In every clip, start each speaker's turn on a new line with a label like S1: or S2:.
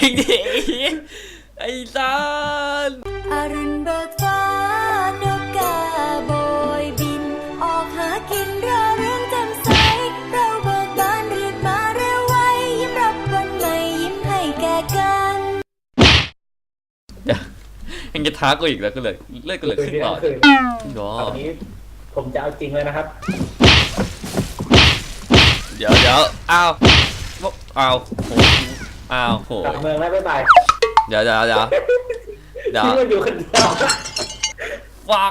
S1: ริงดิไอ้สัน
S2: อรุณเบิกฟ้านกกาโบยบินออกหากินรอเรื่องแจ่มใสเราเบิกบานรีบมาเร็วไว้ยิ้มรับวันใหม่ยิ้มให้แก่กัน
S1: ยังจะท้ากูอีกแล้วก็เลยเลิกกันเลยขึ้นก่อน
S3: ตอนนี้ผมจะเอาจริงเลยนะครับ
S1: เดี๋ยวอ้าวโหอ้าวโห
S3: กลับเมืองแล้วบ๊ายบาย
S1: เดี๋ยว
S3: ที่มันอยู่คนเดียว
S1: ฟัง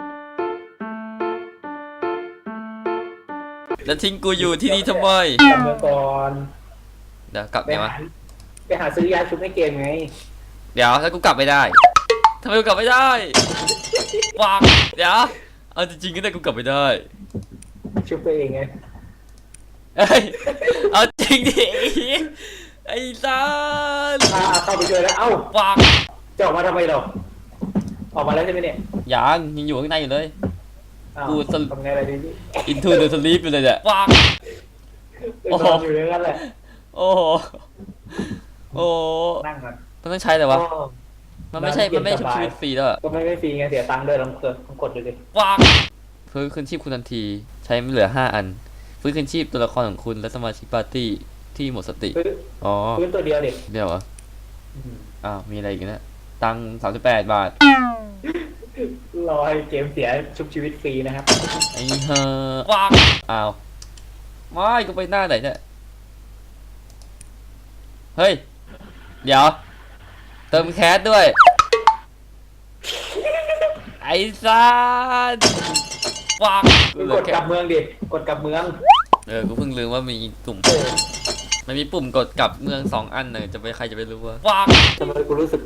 S1: แล้วทิ้งกูอยู่ที่นี่ทำไม
S3: กลับเมืองก่อน
S1: เดี๋ยวกลับไงวะ
S3: ไปหาซื้อยาชุบให้เกมไง
S1: เดี๋ยวถ้ากูกลับไม่ได้ทำไมกูกลับไม่ได้ฟังเดี๋ยวเอาจริงๆก็ได้กูกลับไม่ได้
S3: ชุบตัวเองไง
S1: เอ้ยเอาจริงดิไอ้สัส
S3: เข้าไปช่วยแล้วเอ้า
S1: ฟัง
S3: จะออกมาทำไมเราออกมาแล้วใช่ไหมเนี่ย
S1: ยังอยู่ข้างในอยู่เลย
S3: กูทำไงอะไรดี
S1: Into the sleep อยู่เลยเนี่ยฟัง
S3: โอ้โหอยู่อย่างนั้นแหละ
S1: โอ้โห
S3: นั่งก่อน
S1: มันต้องใช้แต่ว่ามันไม่ใช่ชุบชีวิตฟรีแล้ว
S3: ก็ไม่ฟรีไงเสียตังค์ด้วยลองกดดูดิ
S1: ฟังฟื้นคืนชีพคุณทันทีใช้ไม่เหลือ5 อันฟื้นคืนชีพตัวละครของคุณและสมาชิกปาร์ตี้ที่หมดสติ
S3: ฟื้นตัวเดียวเด็ก
S1: เดียวเหรอมีอะไรอีกนะตังค์38 บาท
S3: รอให้เกมเสียชุบชีวิตฟรีนะครับ
S1: ไอ้เฮ้อฟังไม่กูไปหน้าไหนเนี่ยเฮ้ยเดี๋ยวเติมแคสด้วยไอ้สัสฟัง
S3: กดกลับเมืองดิกดกลับเมือง
S1: กูเพิ่งลืมว่ามีปุ่มมันมีปุ่มกดกลับเมือง2 อันเลยจะไปใครจะไปรู้ว่าฟัง
S3: ทำไมกูรู้สึก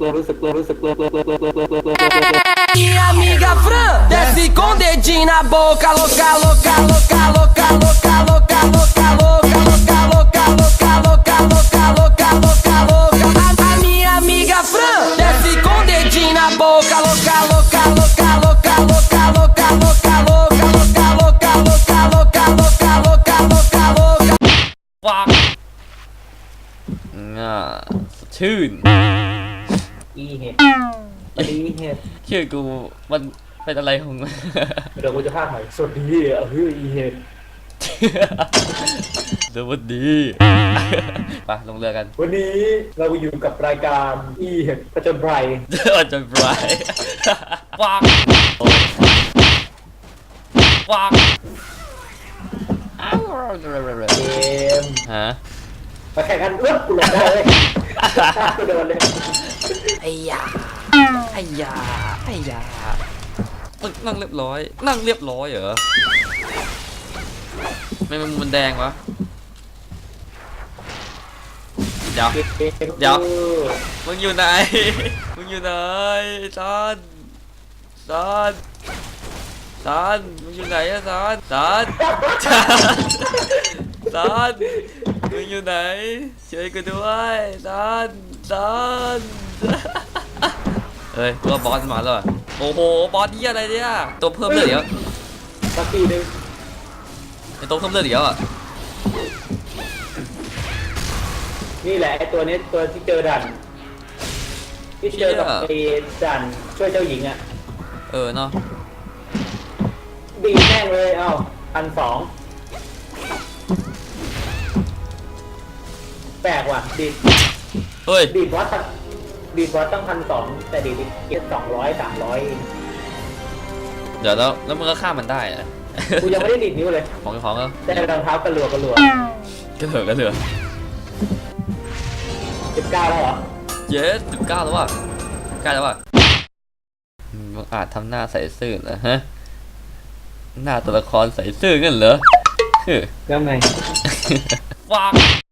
S4: Minha amiga Fran desce com dedinho na boca, louca, louca, louca, louca, louca, louca, louca, louca, louca, louca, louca, louca, louca, louca, louca, louca. A minha amiga Fran desce com dedinho na boca, louca, louca, louca, louca, louca, louca, louca, louca, louca, louca, louca, louca, louca, louca, louca, louca.
S1: ฟังชื่น
S3: อีเห็ด
S1: ชื่อกูมันเป็นอะไรของ
S3: เดี๋ยวกูจะพากใหม่สวัสดีอีเห็ด
S1: สวัสดีไปลงเรือกัน
S3: วันนี้เราอยู่กับรายการอีเห็ดผจญภัย
S1: ฟัง
S3: เกมมาแข่งกันกูหลงได้เลยกูโดนเลย
S1: ไอ้ยานั่งเรียบร้อยเหรอไม่มันแดงวะเดี๋ยวมึงอยู่ไหนซานมึงอยู่ไหนอะซานมึงอยู่ไหนช่วยกูด้วยซานเฮ้ยตัวบอสมาแล้วโอ้โหบอสนี่อะไรเนี่ยตัวเพิ่มเลือดเดี๋ยว
S3: สักทีนึง
S1: ไอตัวเพิ่มเลือดเดี๋ยว
S3: นี่แหละไอตัวนี้ตัวที่เจอดันที่เจอกับไอดันช่วยเจ้าหญิงอ่ะ
S1: เนาะ
S3: ดีแม่งเลย1,200แปลกว่ะดีบอสตั้ง1,200แต่ดีเก็บ200-300
S1: เดี๋ยวแล้วมึงก็ฆ่ามันได้อะ
S3: กูยังไม่ได้ดีดนิ้วเลย
S1: ของ
S3: แต่รองเท้ากระหลัว
S1: 19
S3: แล้วเหรอ
S1: 19แล้วว่ะใกล้แล้วว่ะมึงอาจทำหน้าใส่ซื่อนะฮะหน้าตัวละครใส่ซื่อกันเหรอ
S3: ก็ไง
S1: ฟัง